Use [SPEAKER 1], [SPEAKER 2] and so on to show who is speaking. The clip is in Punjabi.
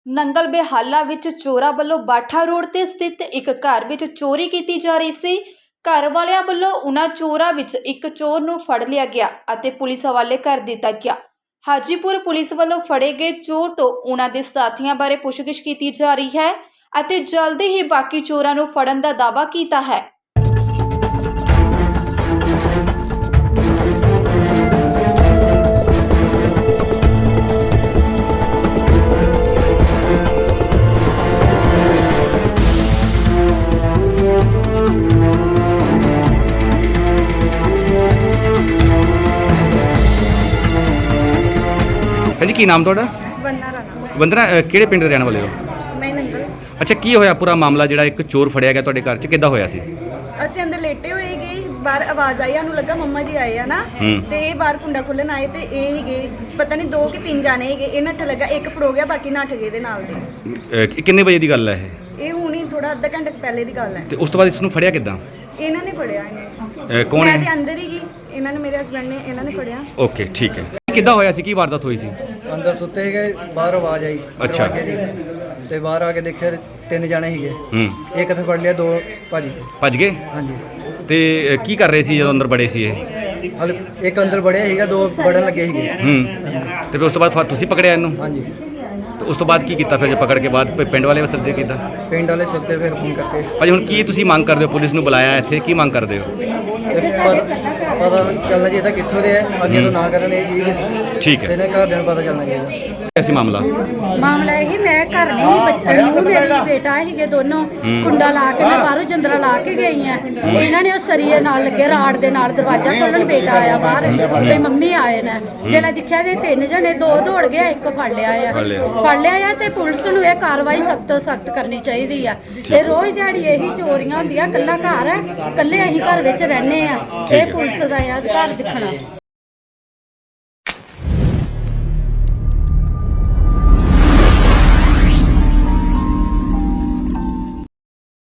[SPEAKER 1] ਨੰਗਲ ਬੇਹਾਲਾ ਵਿੱਚ ਚੋਰਾਂ ਵੱਲੋਂ ਬਾਠਾ ਰੋਡ ਤੇ ਸਥਿਤ ਇੱਕ ਘਰ ਵਿੱਚ ਚੋਰੀ ਕੀਤੀ ਜਾ ਰਹੀ ਸੀ। ਘਰ ਵਾਲਿਆਂ ਵੱਲੋਂ ਉਹਨਾਂ ਚੋਰਾਂ ਵਿੱਚ ਇੱਕ ਚੋਰ ਨੂੰ ਫੜ ਲਿਆ ਗਿਆ ਅਤੇ ਪੁਲਿਸ ਹਵਾਲੇ ਕਰ ਦਿੱਤਾ ਗਿਆ। ਹਾਜੀਪੁਰ ਪੁਲਿਸ ਵੱਲੋਂ ਫੜੇ ਗਏ ਚੋਰ ਤੋਂ ਉਹਨਾਂ ਦੇ ਸਾਥੀਆਂ ਬਾਰੇ ਪੁੱਛਗਿੱਛ ਕੀਤੀ ਜਾ ਰਹੀ ਹੈ ਅਤੇ ਜਲਦੀ ਹੀ ਬਾਕੀ ਚੋਰਾਂ ਨੂੰ ਫੜਨ ਦਾ ਦਾਅਵਾ ਕੀਤਾ ਹੈ।
[SPEAKER 2] जी की नाम थोड़ा
[SPEAKER 3] वंदना राणा।
[SPEAKER 2] वंदना किहड़े पिंड दे रहने वाले हो?
[SPEAKER 3] मैं नंगल।
[SPEAKER 2] अच्छा की होया पूरा मामला जिहड़ा एक चोर फड़िया गया तुहाडे घर च किद्दां होया सी?
[SPEAKER 3] ਅਸੀਂ ਅੰਦਰ ਲੇਟੇ ਹੋਏ ਗਏ, ਬਾਹਰ ਆਵਾਜ਼ ਆਈ, ਸਾਨੂੰ ਲੱਗਾ ਮੰਮਾ ਜੀ ਆਏ ਆ ਨਾ, ਤੇ ਇਹ ਬਾਹਰ ਕੁੰਡਾ ਖੋਲਣ ਆਏ ਤੇ ਇਹ ਹੀ ਗਏ, ਪਤਾ ਨਹੀਂ 2 ਕਿ 3 ਜਾਣੇ ਹੈਗੇ। ਇਹ ਨੱਠ ਲੱਗਾ, ਇੱਕ ਫੜੋ ਗਿਆ, ਬਾਕੀ ਨੱਠ ਗਏ ਦੇ ਨਾਲ ਦੇ।
[SPEAKER 2] ਕਿੰਨੇ ਵਜੇ ਦੀ ਗੱਲ ਹੈ
[SPEAKER 3] ਇਹ ਹੁਣੀ ਥੋੜਾ ਅੱਧਾ ਘੰਟਾ ਪਹਿਲੇ ਦੀ ਗੱਲ ਹੈ।
[SPEAKER 2] ਤੇ ਉਸ ਤੋਂ ਬਾਅਦ ਇਸ ਨੂੰ ਫੜਿਆ ਕਿੱਦਾਂ?
[SPEAKER 3] ਇਹਨਾਂ ਨੇ ਫੜਿਆ ਇਹਨੇ।
[SPEAKER 2] ਕੌਣ
[SPEAKER 3] ਮੈਂ
[SPEAKER 2] ਹੈ?
[SPEAKER 3] ਤੇ ਅੰਦਰ ਹੀ ਗਈ, ਇਹਨਾਂ ਨੇ ਮੇਰੇ ਹਸਬੰਡ ਨੇ ਇਹਨਾਂ ਨੇ ਫੜਿਆ।
[SPEAKER 2] ਓਕੇ ਠੀਕ ਹੈ। ਕਿੱਦਾਂ ਹੋਇਆ ਸੀ, ਕੀ ਵਾਰਦਾਤ ਹੋਈ ਸੀ?
[SPEAKER 4] ਅੰਦਰ ਸੁੱਤੇ ਸੀਗੇ, ਬਾਹਰ ਆਵਾਜ਼ ਆਈ
[SPEAKER 2] ਅੱਛਾ।
[SPEAKER 4] ਦਰਵਾਜ਼ੇ ਦੀ, ਤੇ ਬਾਹਰ ਆ ਕੇ ਦੇਖਿਆ 3 ਜਾਣੇ ਸੀਗੇ। ਇੱਕ ਇੱਥੇ ਫੜ ਲਿਆ, 2 ਭੱਜ
[SPEAKER 2] ਗਏ।
[SPEAKER 4] ਹਾਂਜੀ।
[SPEAKER 2] ਤੇ ਕੀ ਕਰ ਰਹੇ ਸੀ ਜਦੋਂ ਅੰਦਰ ਬੜੇ ਸੀ ਇਹ?
[SPEAKER 4] ਹਲ ਇੱਕ ਅੰਦਰ ਵੜਿਆ ਸੀਗਾ, 2 ਵੜਨ ਲੱਗੇ ਸੀਗੇ।
[SPEAKER 2] ਤੇ ਫਿਰ ਉਸ ਤੋਂ ਬਾਅਦ ਫਿਰ ਤੁਸੀਂ ਪਕੜਿਆ ਇਹਨੂੰ?
[SPEAKER 4] ਹਾਂਜੀ।
[SPEAKER 2] ਤੇ ਉਸ ਤੋਂ ਬਾਅਦ ਕੀ ਕੀਤਾ ਫਿਰ ਜੇ ਪਕੜ ਕੇ ਬਾਅਦ ਕੋਈ ਪਿੰਡ ਵਾਲੇ ਸੱਦੇ ਕੀਤਾ?
[SPEAKER 4] ਪਿੰਡ ਵਾਲੇ ਸੱਦੇ ਫਿਰ ਫੋਨ ਕਰਕੇ।
[SPEAKER 2] ਭਾਜੀ ਹੁਣ ਕੀ ਤੁਸੀਂ ਮੰਗ ਕਰਦੇ ਹੋ? ਪੁਲਿਸ ਨੂੰ ਬੁਲਾਇਆ ਇੱਥੇ, ਕੀ ਮੰਗ ਕਰਦੇ ਹੋ?
[SPEAKER 4] ਤੇ ਪਤਾ ਚੱਲਣਾ ਚਾਹੀਦਾ ਕਿੱਥੋਂ ਦੇ ਹੈ, ਅੱਗੇ ਤੋਂ ਨਾ ਕਰਨ ਇਹ ਚੀਜ਼।
[SPEAKER 2] ਠੀਕ ਹੈ।
[SPEAKER 4] ਤੇ ਇਹਨਾਂ ਘਰਦਿਆਂ ਨੂੰ ਪਤਾ ਚੱਲਣਾ ਚਾਹੀਦਾ।
[SPEAKER 2] ਐਸੀ ਮਾਮਲਾ
[SPEAKER 5] ਇਹ ਮੈਂ ਘਰ ਨਹੀਂ ਬੱਚਾ ਨੂੰ ਮੇਰੀ ਬੇਟਾ ਸੀਗੇ ਦੋਨੋਂ, ਕੁੰਡਾ ਲਾ ਕੇ ਮੈਂ ਬਾਹਰੋਂ ਜੰਦਰਾ ਲਾ ਕੇ ਗਈ ਆ। ਇਹਨਾਂ ਨੇ ਉਹ ਸਰੀਏ ਨਾਲ ਲੱਗੇ ਰਾੜ ਦੇ ਨਾਲ ਦਰਵਾਜ਼ਾ ਖੋਲਣ, ਬੇਟਾ ਆਇਆ ਬਾਹਰ ਤੇ ਮੰਮੀ ਆਏ ਨੇ। ਜਦੋਂ ਦੇਖਿਆ ਤੇ 3 ਜਣੇ, 2 ਦੌੜ ਗਿਆ, ਇੱਕ ਫੜ ਲਿਆ ਆ ਤੇ ਪੁਲਿਸ ਨੂੰ ਇਹ ਕਾਰਵਾਈ ਸਖਤ ਤੋਂ ਸਖਤ ਕਰਨੀ ਚਾਹੀਦੀ ਆ। ਇਹ ਰੋਜ਼ ਦਿਹਾੜੀ ਇਹੀ ਚੋਰੀਆਂ ਹੁੰਦੀਆਂ, ਕੱਲਾ ਘਰ ਹੈ, ਕੱਲੇ ਅਸੀਂ ਘਰ ਵਿੱਚ ਰਹਿੰਦੇ ਆ। ਇਹ ਪੁਲਿਸ ਦਾ ਅਧਿਕਾਰ ਦਿਖਣਾ।